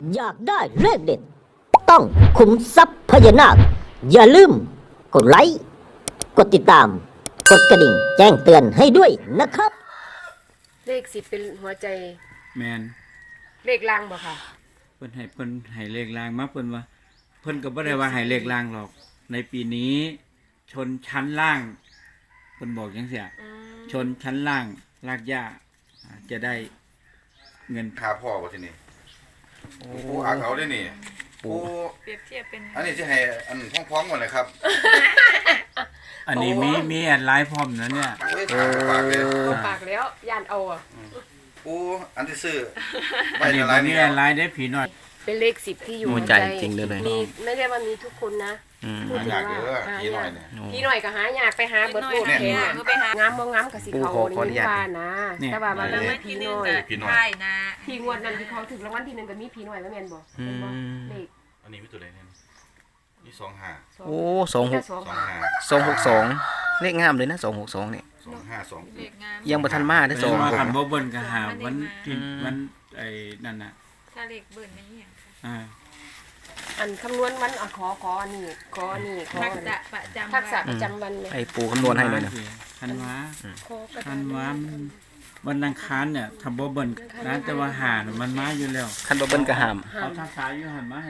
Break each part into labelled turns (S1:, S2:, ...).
S1: อยากได้เลขเด็ดต้องขุมทรัพย์พญานาคอย่าลืมกดไลค์กดติดตามกดกระดิ่งแจ้งเตือนให้ด้วยนะครับ
S2: เลข10เป็นหัวใจ
S3: แมน
S2: เลขล่างบ่ค่ะ
S3: เพิ่นให้เลขล่างมาเพิ่นว่าเพิ่นก็บ่ได้ว่าให้เลขล่างหรอกในปีนี้ชนชั้นล่างเพิ่นบอกจังซี่ชนชั้นล่างรากหญ้าจะได้เงิน
S4: หาพ่อบ่ทีนี้ปูอาเขาได้นี่ปู
S5: เปรียบเทียบเป็น
S4: อันนี้สิให้อันพ้องๆก่อนเลยครับ
S3: อันนี้มีแอดไลน์พร้อมนะเนี่ย
S4: ปากเลย
S2: ปากแล้วย่านเอาอ่ะ
S4: ปูอันที่ซื้อ
S3: อันนี้บ่มีแอดไลน์ได้ผีน้อย
S2: เป็นเลข10ที่อยู่
S6: ใจจริงเลย
S2: มีไม่ได้ว่ามีทุกคนนะ
S4: หายากเยอะพี่หน่อยเนี่ย
S2: พี่หน่อยก็หายากไปหาเบิดโลดแค่งามบ่งามก็สิเขานี่ว่านะแต่ว่ามันมีพี่น้อย
S5: ใช่นะ
S2: พี่งวดนั้นที่เขาถึงรางวัลที่1ก็มีพี่น้อยว่าแม่นบ่เป็นบ่เลข
S4: อันนี้มีตัวใดเนี่ยนี่25
S6: โอ้262เลขงามเลยนะ262เนี่ย
S4: 252
S6: ยังบ่ทันมาได้
S3: 2คันบ่เบิ่นก็หาวันไอ้นั่นน่ะ
S5: ถ้าเลขเบิ่นมันอีหยัง
S2: อันคำนวณวันขออันนี้
S5: ทักษะประจำวัน
S6: ไอ้ปู่คำนวณให้หน่อยนะ
S3: ทันวาวันอังคารเนี่ยถ้าบ่เบิ่นนะแต่ว่าหามันมาอยู่แล้ว
S6: คันบ่เบิ่นก็ห้าม
S3: เอาทักษะอยู่หั่นมาให้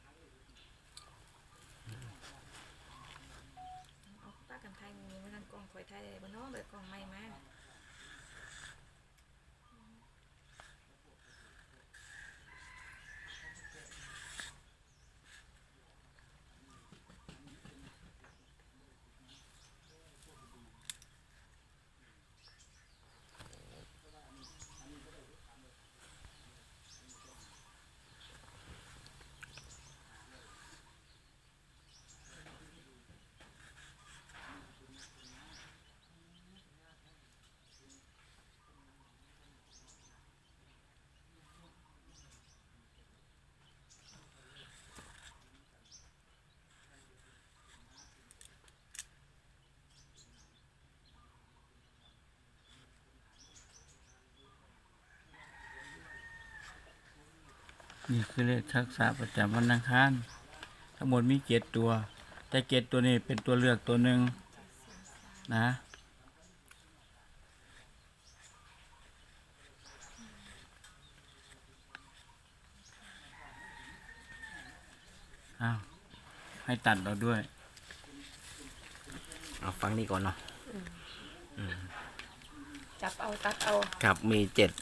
S3: นี่คือเลขทักษะประจำวันอังคารทั้งหมดมี7ตัวแต่7ตัวนี้เป็นตัวเลือกตัวหนึ่งนะให้ตัดเราด้วย
S6: เอาฟังนี่ก่อนเนาะ
S2: จับเอาตัดเอา
S6: ครับมี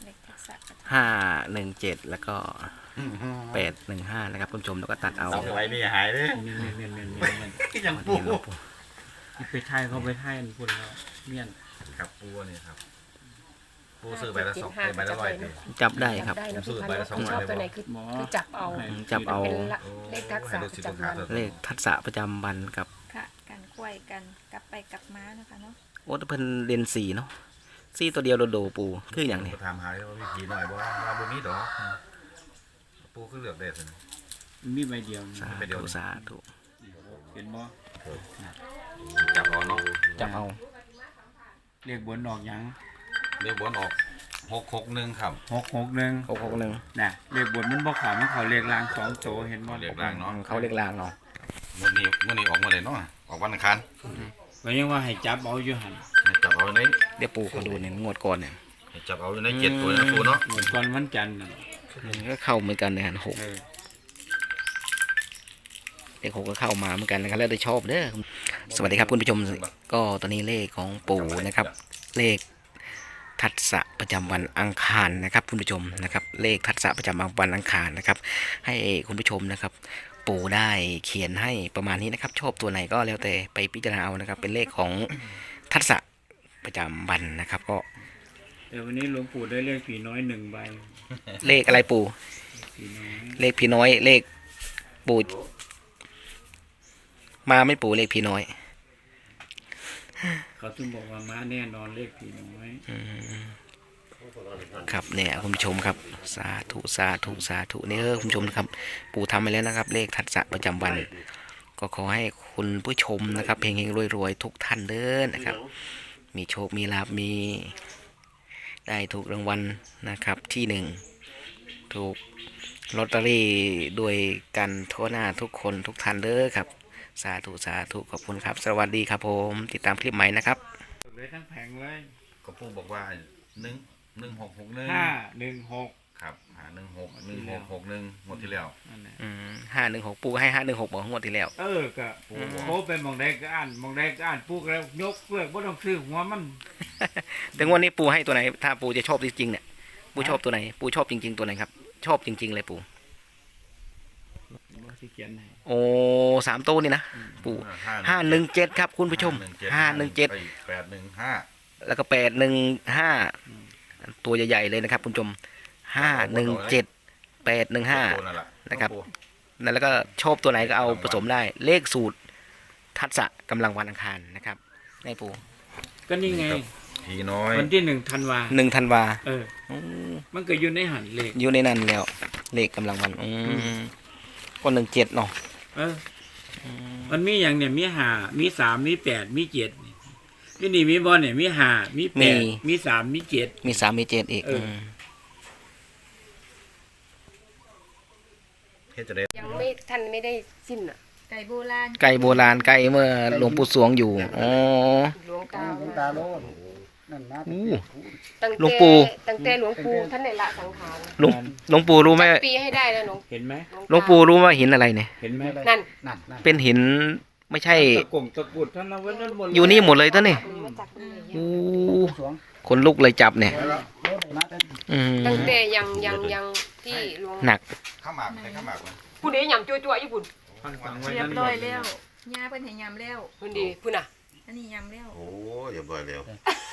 S6: 7517แล้วก็815นะครับคุณผู้ชมแล้วก็ตัดเอา
S4: 2ไว้นี่หายเด้
S3: ยังปูไปไทยเขาไปไทยพูดแล้วเมียน
S4: ครับปูนี่ครับปูซื้อใบละ2ใบละ100
S6: จับได้ครับ
S4: ผมซื้อใบละ2
S2: ชอบตัวไหนคือจับเอาเลขทักษะประจำวัน
S6: เลขทักษะประจำวันกับ
S5: ค่ะการควยกันกลับไปกลับมานะคะเนาะ
S6: โอ้แต่เพิ่นเรียน4เนาะ4ตัวเดียวโดปูคืออย่างนี้
S4: ถามหาว่ามีผีหน่อยบ่ว่าบ่มีดอกปูคือเลือกได้ซั่น
S3: มีใบเดียว
S6: สาธุ
S3: เป็นบ่
S4: จับเอาเนาะ
S6: จับเอา
S3: เรียกบนออกหยัง
S4: เรียกบนออก661ครับ
S3: 661น่ะเรียกบนมันบ่เข้ามันเข้าเรียกลาง2โตเห็นบ่
S4: เรียกลางเนาะ
S6: เขาเรียกลางเนาะ
S4: มื้อนี้ออกมาเลยเนาะออกวันอังคาร
S3: ก็ยังว่าให้จับเอาอยู่หั่น
S4: ให้จับเอาใน
S6: เดี๋ยวปู่เขาดูเนี่ยงวดก่อนเนี่ย
S4: ให้จับเอาอยู่ใน7ตัวนะปู่เนาะ
S3: งวดก่อนวันจันทร์
S6: ก็เข้าเหมือนกันเนี่ย6เลข6ก็เข้ามาเหมือนกันนะครับแล้วได้ชอบเด้อสวัสดีครับคุณผู้ชมก็ตอนนี้เลขของปู่นะครับเลขทัศะประจำวันอังคารนะครับคุณผู้ชมนะครับเลขทัศะประจำวันอังคารนะครับให้คุณผู้ชมนะครับปู่ได้เขียนให้ประมาณนี้นะครับชอบตัวไหนก็แล้วแต่ไปพิจารณาเอานะครับเป็นเลขของทัศะประจำวันนะครับก็
S3: แต่วันนี้หลวงปู่ได้เลขผีน้อย1ใบ
S6: เลขอะไรปู่เลขผีน้อยเลขปู่มาไม่ปู่เลขผีน้อย
S3: เขาถึงบอกว่ามาแน่นอนเลขผีน้อย
S6: ครับเนี่ยคุณผู้ชมครับสาธุเนี่ยคุณผู้ชมครับปู่ทำไปแล้วนะครับเลขทัศะประจำวันก็ขอให้คุณผู้ชมนะครับเฮงๆรวยๆทุกท่านเด้อนะครับมีโชคมีลาภมีได้ถูกรางวัลนะครับที่1ถูกลอตเตอรี่ด้วยกันทั่วหน้าทุกคนทุกท่านเด้อครับสาธุสาธุขอบคุณครับ สวัสดีครับผมติดตามคลิปใหม่นะครับ
S3: เลยทั้งแผงเลย
S4: ก็ปู่บอกว่า1661
S3: 516
S4: ครับ161661หมดที่แล้ว
S3: นั่นแหละ
S6: 516ปูให้516บอกงวดที่แล้ว
S3: ก็โอ้เป็นมองใดก็อ่านมองใดก็อ่านปุ๊กแล้วยกเลิกบ่ต้องซื้อหัวมัน
S6: แต่งวดนี้ปูให้ตัวไหนถ้าปูจะชอบจริงๆเนี่ยปูชอบตัวไหนปูชอบจริงๆตัวไหนครับชอบจริงๆเลยปู
S3: บ่สิเขียนให้
S6: โอ้3ตัวนี่นะปู517ครับคุณผู้ชม517
S4: 815
S6: แล้วก็815ตัวใหญ่ๆเลยนะครับคุณผู้ชม517 815นะครับนั่นแล้วก็ชอบตัวไหนก็เอาผสมได้เลขสูตรทัศะกำลังวันอังคารนะครับในปู
S3: ก็นี่ไง
S4: ผีน้อย
S3: วันที่1ธันวา
S6: 1 ธันวา
S3: มันก็อยู่ในหันเลข
S6: อยู่ในนั้นแล้วเลขกำลังวันก็17เนาะ
S3: มันมีอย่างเนี่ยมี5มี3มี8มี7นี่มีบ่เนี่ยมี5มี8มี3มี7
S6: มี3มี7อีก
S4: เฮ็ดจะได้
S2: ยังไม่ท่านไม่ได้สิ้นอ่ะ
S5: ไก่โบราณ
S6: ไก่โบราณไก่เมื่อหลวงปู่สวงอยู่อ๋อ
S2: หลวงตา
S7: ตาโลนนั่นนะ
S6: อู้
S2: ตั้ง
S6: หลวงปู่
S2: ตั้งแต่หลวงปู่ท่านได้ละสังขาร
S6: หลวงปู่รู้ไหม
S2: ปีให้ได้แล้วหลวง
S3: เห็นไหม
S6: หลวงปู่รู้ว่าหินอะไรเนี่ย
S3: เห็นไหม
S2: นั่น
S7: นั่น
S6: เป็นหินไม่ใช่
S3: ตะกงตะกุดท่านเอาไว้นั่นหมดเลย
S6: อยู่นี่หมดเลยตัวนี่
S2: มาจากตรงไหน
S6: อู้
S7: สวง
S6: คนลุกเลยจับเนี่ย
S7: แล้วรถมาแต่
S2: ตั้งแต่ยังที่หลวง
S6: หนัก
S4: ข้าวหมากใส่ข้าวหมากมั้ย
S2: ผู้นี้ยำจั่วๆญี่ปุ่น
S3: ฟังไว้
S5: เรีย
S3: นั่
S5: บ
S3: นหม
S5: ร้อ
S3: ด
S5: ย
S3: เลย
S5: แล้วย่าเพิ่นให้ยำแล้ว
S2: ผู้ดีผู้น่ะ
S5: อันนี้ยำแล้ว
S8: โอ้ยอย่าบ่อยเร็ว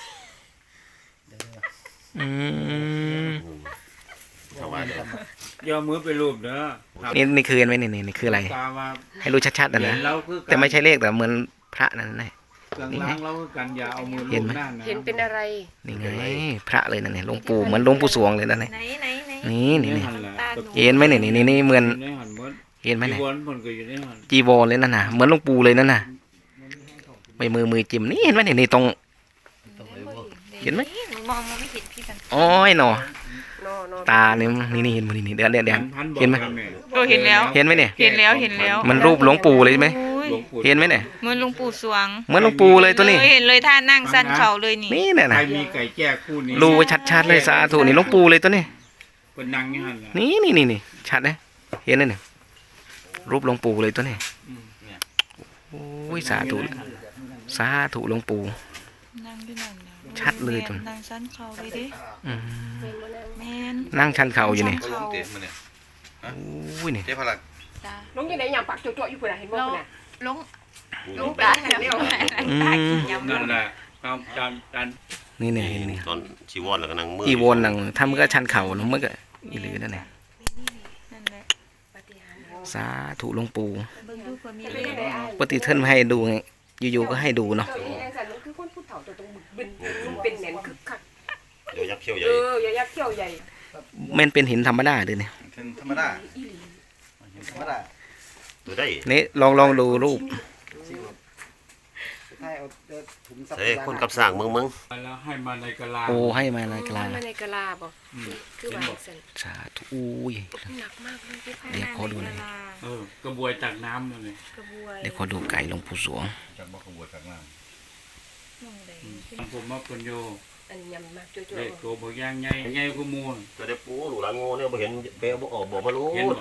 S6: อืม
S8: ถวายเลย
S3: ย่อมือไปรูปเด้อ
S6: นี่คือไหมนี่คืออะไร
S3: ตาว่า
S6: ให้รู้ชัดๆนะ
S3: เห็
S6: นะ
S3: นเราคือกัน
S6: แต่ไม่ใช่เลขแต่เหมือนพระนั่นนะ
S3: กลางล้างเราคือกันอย่าเอามือ
S6: เห็
S3: ลู
S6: น
S3: บ
S6: ไหม
S3: หน้านะ
S2: เห็นเป็นอะไร
S6: นี่ไงพระเลยนั่นเนี่ยหลวงปู่เหมือนหลวงปู่สวงเลยนั่นเนี่ย
S5: ไหน
S6: นี่
S3: หันแหละ
S6: เห็นไหมนี่เหมือน
S3: ในหันหมด
S6: เห็นไหม
S3: จี
S6: เนี่ย
S3: วรผลก็อยู่ในหัน
S6: จีวรเลยนั่นน่ะเหมือนหลวงปู่เลยนั่นน่ะไม่มือจิ้มนี่เห็นไหมนี่ตรง เห็นไหม
S5: หนูมองไม่เห็นพี่กัน
S6: โอ้ยหนอ
S2: โนโน
S6: ตาเนี่ยนี่เห็นไหมนี่เดี๋ยว
S3: พันบอก
S6: เห็นไหม
S3: แล้วแ
S9: โอ้เห็นแล้ว
S6: เห็นไหมเนี่ย
S9: เห็นแล้ว
S6: มันรูปหลวงปู่เลยไหม
S9: อุ้ย
S3: หลวงปู่
S6: เห็นไหมเนี่ย
S9: เหมือนหลุงปู่สวง
S6: เหมือนหลวงปู่เลยตัวนี้
S9: เห็นเลยท่านั่งสั้นเข่าเลยนี่
S6: นี่เนี่ย
S3: ใคร
S6: นะ
S3: มีไก่แจ้คู่นี้
S6: รูไว้ชัดๆเลยสาธุนี่หลวงปู่เลยตัวนี้
S3: เป็นนางนี่หันแหละ
S6: นี่ชัดนะเห็นเลยเนี่ยรูปหลวงปู่เลยตัวนี้โอ้ยสาธุหลวงปู่
S9: นั่งที่นั่นนะ
S6: ชัดเลยตัว
S9: นั่งสั้นเข่าเลยดิ
S6: อืม
S9: แม่น
S6: นั่งชันเข่าอยู่นี่
S8: เขาลงเตะมาเนี่ย
S6: โอ้ยนี่
S8: เจ๊พลัก
S9: ตา
S2: หลวงยังไงยำปักจั่วๆญี่ปุ่นน่ะเห็นบ่ผู้น่ะ
S9: ลง
S2: หลวงตาเห็นแล้ว
S6: อืม
S3: นั่นแหละตามจาน
S6: นี่
S8: ตอนชีวรแล้วก็นั่งมือ
S6: อีวนหนังถ้ามันก็ชันเข่าแล้วมันก็อีหรือนั่นแหละ
S9: นั่นแหละ
S6: สาธุหลวงปู่
S9: เบิ่งดูเผื่อมี
S2: เป็น
S9: เล
S2: ยัง
S9: ข
S2: ไงอ้าย
S6: ปกติท่านไม่ให้ดูไงอยู่ๆก็ให้ดูเนาะ
S2: เจ้าอีแองสันมันคือคนผู้เฒ่าตัวตรงบึกบึนเป็นแหนนคึกคัก
S8: เดี๋ยวยักษ์เขี้ยวใหญ่
S2: อย่ายักเขี้ยวใหญ่
S6: มันเป็นหินธรรมดาเลยเนี่ย
S4: เป็นธรรมดาธรรมดา
S8: ตัวได้
S6: นี่ลองดูรูป
S7: ให้เอาถุงซับ
S8: เฮ้ยคนกับสร้างเมือง
S3: แล้วให้มาในกะลา
S6: โอ้ให้มาในกลาง
S2: มาในกะลาบ่คือว่าจังซั่น
S6: สาธุอุ้ย
S2: หนักมากเลยพี่
S6: เดี๋ยวขอดูหน่อย
S3: กระบวยตักน้ำนั่นเลย
S2: กระบวย
S6: เดี๋ยวขอดูไก่หลวงปู่สวง
S4: จากบ่ขบวนจากน้
S3: ผมมาเป็นโย
S2: อันยำมากจั่ว
S3: เด็กตัวบางอย่างใหญ่กูมูล
S8: ๆก็ได้ปูหลูหลานโง่เนี่ยบ่เห็นเปลบ่ออกบอกมารู้
S3: เห็นบ่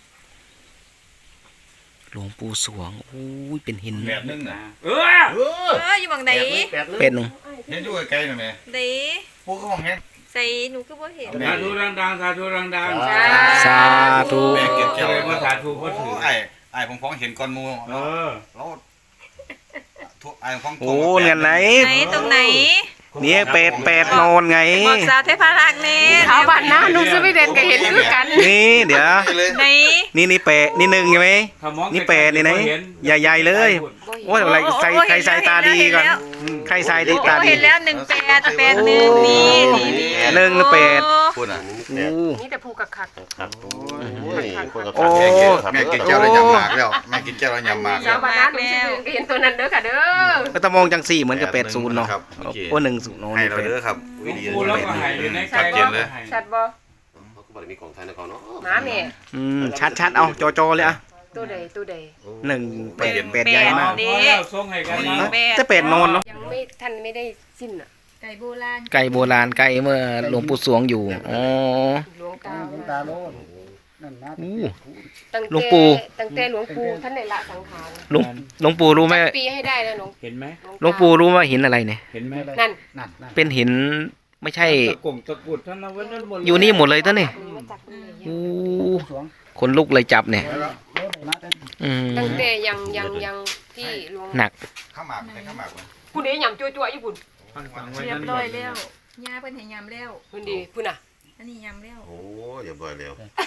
S6: หลวงปู่สวงอุ้ยเป็นหิน
S4: ำแบบนึงน่ะ
S9: อยู่บังไหน
S6: เป็ดหนึ่ง
S4: เห็นอยู่ไกลๆน่ะแม่
S9: ไหน
S4: ปู่ก็ห้องแฮง
S9: ใส่หนูก็บ่เห็น
S3: สาธุดังๆสาธุดัง
S6: สาธุ
S4: แม่เก็บ
S3: ๆ
S4: เจ้า
S3: เลยว่าสาธุก็ถือ
S4: ไอ้ผมฟ้องเห็นก่อนหมู่
S3: เออ
S4: แล้วไอ้ฟ้อง
S6: โอ้เงินไหน
S9: ไหนตรงไหน
S6: เนี่ยเป็ดนอนไง
S9: บอกสาวเทพารักษ์นี่
S2: ชาวบ้านนะนุ่งสวีเดนก็เห็นคือกัน
S6: นี่เดี๋ยว
S9: ไหน
S6: นี่เป็ดนี่หนึ่งใช่ไหม
S3: ถ้ามอง
S6: นี่เป็ดนี่ไหนใหญ่ๆเลยโอ้ยอะไรใส่ใครใส่ตาดีก่อนใครใส่ดีตา
S9: โอ้
S6: ดี
S9: เห็นแล้ว181นี่นี่
S6: หนึ่งหรือเป็ด
S4: พูดน่ะ
S6: โอ้
S2: นี่แต่ผูกคัก
S8: ครับโอ้ยคนกับ
S6: โอ้
S8: สร้างแก่ครับ
S4: แม่กินแก้วแล้วยำหมากแล้วแม่กินแก้วแล้วยำหมาก
S2: ๆ
S4: แล้
S2: ชาว วบ้านนะนุ่งสวีเดนก็เห็นตัวนั้นเด้อค่ะเด้อ
S6: ก็ตะมองจังสี่เหมือนกับ80เนาะ
S4: ครับเมื่อกี้
S6: โอ้10เนาะ
S4: ให้
S6: นี่
S4: เรา
S6: เป็ด
S4: เด้อครับ
S3: กูแล้วก็หายอยู่ในไก่
S4: ชัดเจนเลย
S2: ชัดบ่
S8: บบ่ได้มีของไทยในเขาเนาะ
S2: หมาแม่
S6: ชัดๆเอาจอเลยอ่ะ
S2: ตัวใดตัวใด
S6: 1 8ใหญ่มาก
S3: พอแล้วส่งให้กันนะ
S6: จะเป็ดนอนเนาะ
S2: ยังไม่ท่านไม่ได้สิ้นอ่ะ
S5: ไก่โบราณ
S6: ไก่โบราณไก่เมื่อหลวงปู่สวงอยู่อ๋อ
S2: หลวงตา
S7: หลวงตาโลนนั่นนะ
S6: อู้
S2: ตั้ง
S6: หลวงปู่
S2: ตั้งแต่หลวงปู่ท่านได้ละสังขาร
S6: หลวงปู่รู้ไหม
S2: ปีให้ได้นะหลวง
S3: เห็นไหม
S6: หลวงปู่รู้ว่าหินอะไรเนี่ย
S3: เห็นไหม
S2: นั่น
S7: นั่น
S6: เป็นหินไม่ใช่
S3: ตะกงตะกรุดท่านเอาไว้นั่นหมดเลย
S6: อยู่นี่หมดเลยตั้งนี่
S2: มาจากตรงไหน
S6: อู้
S7: สวง
S6: คนลุกเลยจับเนี่ย
S7: โลดมาแต่
S2: ตั้งแต่ยังที่หลวง
S6: หนัก
S4: ข้าวหมากเป็นข้าวหมากมัน
S2: ผู้ใดยำจั่วๆญี่ปุ่น
S3: ท่านสั่งไว้
S5: เรีย
S3: นั่
S5: บ
S3: นหม
S5: ร้อ
S3: ด
S5: ยแล้วยาเพิ่นให้ยำแล้ว
S2: พุ่นดีพุ่นน่ะ
S5: อันนี้ยำแล้ว
S8: โอ้อย่าบ่อยแล้ว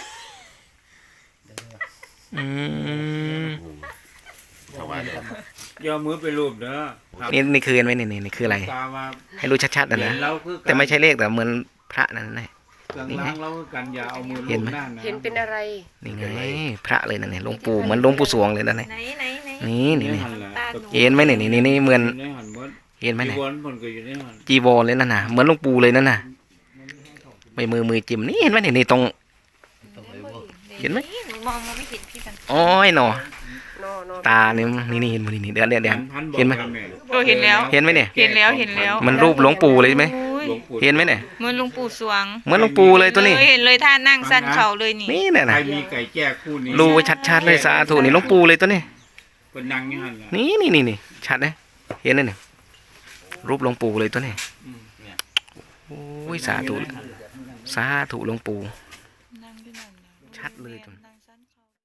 S6: อืม
S8: ถวายแล้ว
S3: อย่าเอามือไปรูปเด้อครับ
S6: นี่คือไหมนี่คืออะไร
S3: ตาว่า
S6: ให้รู้ชัดๆนะ
S3: เห็
S6: นะ
S3: นเราคือกัน
S6: แต่ไม่ใช่เลขแต่เหมือนพระนั่นนะ
S3: เครื่องล้างเราคือกันอย่าเอามือ
S6: เห็
S3: ลู
S6: น
S3: บ
S6: ไหม
S3: หน้านะ
S2: เห็นเป็นอะไร
S6: นี่ไงพระเลยนั่นเนี่ยหลวงปู่เหมือนหลวงปู่สวงเลยนั่น
S5: ไหน
S6: นี่
S5: ไหนไหน
S6: นี่
S3: หันแหละ
S5: ตาหนู
S6: เห็นไหมนี่เหมือน
S3: อยู่ในหันหมด
S6: เห็นไหม
S3: จี
S6: เนี่ย
S3: วรผลก็อยู่ในหัน
S6: จีวรเลยนั่นน่ะเหมือนหลวงปู่เลยนั่นน่ะไม่มือจิ้มนี่เห็นไหมนี่ตรง เห็นไหม
S5: หนูมองไม่เห็นพี่สันติ
S6: อ้อยหนอ
S2: นอ
S6: ตาเนี่ยนี่เห็นไหมนี่เดี๋ยว
S3: พันบอก
S6: เห็นไหม
S3: กัแ
S9: โอ้เห็นแล้ว
S6: เห็นไหมเนี่ย
S9: เห็นแล้วเห็นแล้ว
S6: มันรูปหลวงปู่เลยไหม
S9: อุ้ย
S3: หลวงปู่
S6: เห็นไหมเนี่ย
S9: เหมือนหลวงปู่สวง
S6: เหมือนหลวงปู่เลยตัวนี้
S9: เห็นเลยท่านั่งสั้นเข่าเลยนี่
S6: นี่เนี่ย
S3: ใคร
S6: นะ
S3: มีไก่แจ้คู่นี้
S6: รูไว้ชัดๆเลยสาธุนี่หลวงปู่เลยตัวนี้
S3: เป็นนางนี่หันละ
S6: นี่ชัดนะเห็นเลยเนี่ยรูปหลวงปู่เลยตัวนี้
S3: อืม
S6: โอ้ยสาธุหลวงปู่
S9: นั่งด้วยนั่นนะ
S6: ชัดเลยจน
S9: นั่งสั้น